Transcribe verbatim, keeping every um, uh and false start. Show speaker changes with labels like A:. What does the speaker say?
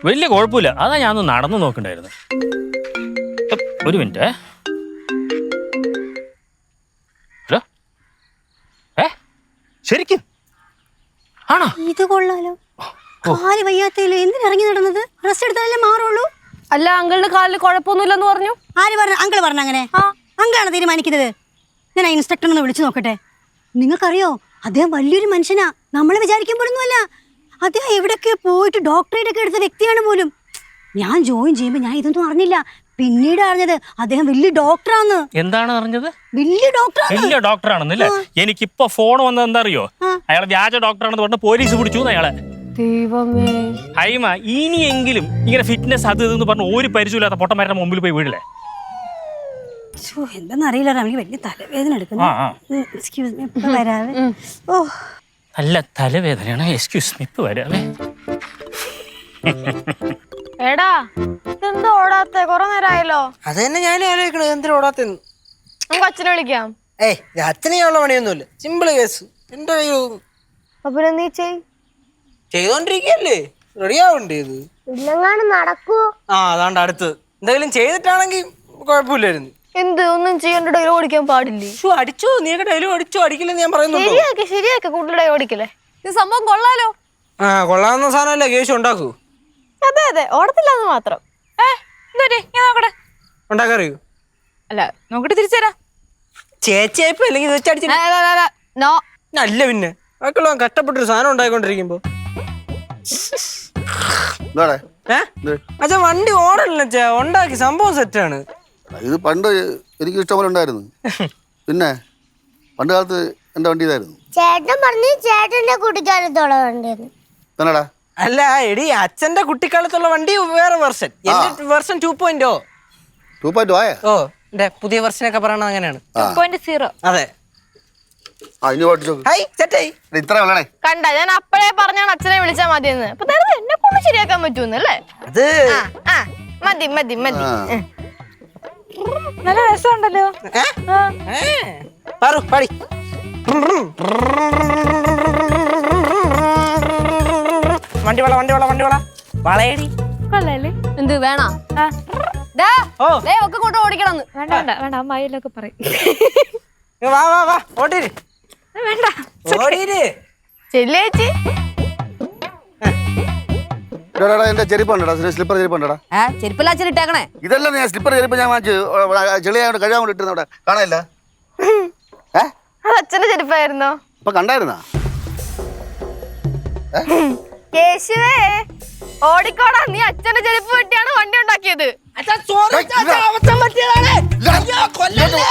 A: വലിയ കുഴപ്പമില്ല. അതാ ഞാൻ ഒന്ന് നടന്നു നോക്കണ്ടായിരുന്നു. ഒരു മിനിറ്റ്. ഹലോ, ഏ ശരിക്കും ആണോ?
B: ഇത് കൊള്ളാലോ. കാല് വയ്യാത്തല്ലേ, എന്തിനിറങ്ങി നടന്നത്? റെസ്റ്റ് എടുത്താലല്ലേ മാറുള്ളൂ.
C: അല്ല, അങ്കിളിന് കാലിൽ കുഴപ്പമൊന്നുമില്ലെന്ന് പറഞ്ഞു.
B: ആര് പറഞ്ഞു? അങ്കിൾ പറഞ്ഞു അങ്ങനെ. അങ്കിളാണ് തീരുമാനിക്കുന്നത്. ഞാൻ ആ ഇൻസ്ട്രക്ടറിനെ വിളിച്ചു നോക്കട്ടെ. നിങ്ങൾക്കറിയോ, അദ്ദേഹം വലിയൊരു മനുഷ്യനാ. നമ്മളെ വിചാരിക്കാൻ പോലൊന്നുമല്ല. അദ്ദേഹം എവിടെയൊക്കെ പോയിട്ട് ഡോക്ടറേറ്റ് ഒക്കെ എടുത്ത വ്യക്തിയാണ് പോലും. ഞാൻ ജോയിൻ ചെയ്യുമ്പോൾ ഞാൻ ഇതൊന്നും അറിഞ്ഞില്ല. പിന്നീട് അറിഞ്ഞത് അദ്ദേഹം വലിയ ഡോക്ടറാണ്.
A: എന്താണ് അറിഞ്ഞത്?
B: വലിയ ഡോക്ടർ
A: വലിയ ഡോക്ടറാണെന്നല്ലേ? എനിക്കിപ്പോ ഫോൺ വന്നത് എന്താ അറിയോ? അയാളെ വ്യാജ ഡോക്ടറാണെന്ന് പറഞ്ഞ് പോലീസ് പിടിച്ചു അയാളെ.
C: ദൈവമേ.
A: ഹൈമ, ഇനിയെങ്കിലും ഇങ്ങനെ ഫിറ്റ്നസ് അത് ഇതെന്ന് പറഞ്ഞ ഒരു പരിചയമില്ലാത്ത പൊട്ടന്മാരുടെ മുമ്പിൽ പോയി വീടില്ലേ?
B: എന്താന്നറിയില്ല, എനിക്ക് വലിയ തലവേദന എടുക്കുന്നു. ഓ,
A: നല്ല തലവേദനയാണ്. എക്സ്ക്യൂസ് മീ, ഇപ്പൊ വരാവേ.
C: എടാ, ഇതെന്താ ഓടാത്തെ? കൊറേ നേരമായല്ലോ.
D: അത് തന്നെ ഞാനും ആലോചിക്കണത്, എന്തിനാ ഓടാത്തെന്ന്.
C: നമുക്ക് അച്ഛനെ വിളിക്കാം.
D: ഏയ്, അച്ഛനെയുള്ള പണിയൊന്നുമില്ല, സിമ്പിള് കേസ്. എന്റെ കയ്യിൽ
C: അപ്പൊ നീ ചെയ്.
D: ചെയ്തോണ്ടിരിക്കല്ലേ, റെഡി ആവണ്ടേ ഇത്?
C: ഇല്ലെങ്ങാനും നടക്കൂ.
D: ആ, അതാണ്ട് അടുത്ത് എന്തെങ്കിലും ചെയ്തിട്ടാണെങ്കിൽ കുഴപ്പമില്ലായിരുന്നു.
C: എന്ത് ഒന്നും ചെയ്യേണ്ട ഡയലോഗ് ഓടിക്കാൻ പാടില്ലേ?
D: അടിച്ചോ, നീയൊക്കെ ഡയലോഗ് അടിച്ചോ? അടിക്കില്ലെന്ന് ഞാൻ പറയുന്നു.
C: ശരിയാക്കി ശരിയാക്കി കൂടുതൽ ഡയലോഗ് ഓടിക്കല്ലേ. ഇത് സംഭവം കൊള്ളാലോ.
D: ആ, കൊള്ളാവുന്ന സാധനമല്ലേ കേസ് ഉണ്ടാക്കൂ.
C: അതെ അതെ, ഓടത്തില്ലാന്ന് മാത്രം.
D: ഉണ്ടാക്കറിയൂ?
C: അല്ല, നോക്കിട്ട് തിരിച്ചുതരാം.
D: ചേച്ചിയായിപ്പോ അല്ലെങ്കിൽ വെച്ചടിച്ചില്ല. അല്ല പിന്നെ മക്കളോ കഷ്ടപ്പെട്ടൊരു സാധനം ഉണ്ടായിക്കൊണ്ടിരിക്കുമ്പോ അച്ഛാ വണ്ടി ഓടല്ല അച്ഛാ, ഉണ്ടാക്കി സംഭവം സെറ്റാണ്.
E: ഇത് പണ്ട് എനിക്ക് ഇഷ്ടംപോലെ ഉണ്ടായിരുന്നു. പിന്നെ പണ്ട് കാലത്ത് എന്റെ വണ്ടി ഇതായിരുന്നു.
F: ചേട്ടൻ പറഞ്ഞു ചേട്ടന്റെ കുട്ടിക്കാലത്തുള്ള വണ്ടിയാണ്.
E: തന്നെടാ.
D: അല്ല എടി, അച്ഛന്റെ കുട്ടിക്കാലത്തുള്ള വണ്ടി വേറെ വെർഷൻ, എന്റെ version two point o
E: two point ആയ
D: ഓ എന്റെ പുതിയ വെർഷനൊക്കെ പറയണത് അങ്ങനെയാണ്. അതെ.
E: ഇത്ര വേണേ
C: കണ്ട, ഞാൻ അപ്പഴേ പറഞ്ഞാണ് അച്ഛനെ വിളിച്ചാ മതിയെന്ന്. അപ്പൊ എന്നെ കൊണ്ട് ശരിയാക്കാൻ പറ്റൂന്നല്ലേ?
D: അത്
C: മതി മതി മതി. നല്ല രസമുണ്ടല്ലോ.
D: പാടി വണ്ടി വള വണ്ടി വള വണ്ടി വള വളയടി.
C: എന്ത് വേണ? ഒക്കെ കൊണ്ട് ഓടിക്കണം. വേണ്ട വേണ്ട വേണ്ട, അമ്മായിലൊക്കെ പറയും.
D: വാ വാ വാ ഓടിര്.
C: വേണ്ട
D: ഓടിര്
C: ചെല്ലേച്ചി.
E: എന്റെ ചെരുപ്പുണ്ടോ? സ്ലിപ്പർ ചെരുപ്പുണ്ടോ?
C: ചെരുപ്പല്ല അച്ഛൻ ഇട്ടേക്കണേ.
E: ഇതല്ല ഞാൻ സ്ലിപ്പർ ചെരുപ്പ് ഞാൻ വാങ്ങിച്ചു ചെളിയായോണ്ട് കഴിയാൻ വേണ്ടി ഇട്ടിരുന്ന അവിടെ കാണാനില്ല.
C: അത് അച്ഛന്റെ ചെരുപ്പായിരുന്നോ?
E: ഇപ്പൊ കണ്ടായിരുന്നാ?
C: കേശുവേ, ഓടിക്കോടാ, നീ അച്ഛന്റെ ചെരുപ്പ് വെട്ടിയാണ് വണ്ടി ഉണ്ടാക്കിയത്.
D: അച്ഛാ സോറി, അച്ഛാ അബദ്ധം പറ്റിയതാണ്. അയ്യോ കൊല്ലല്ലേ.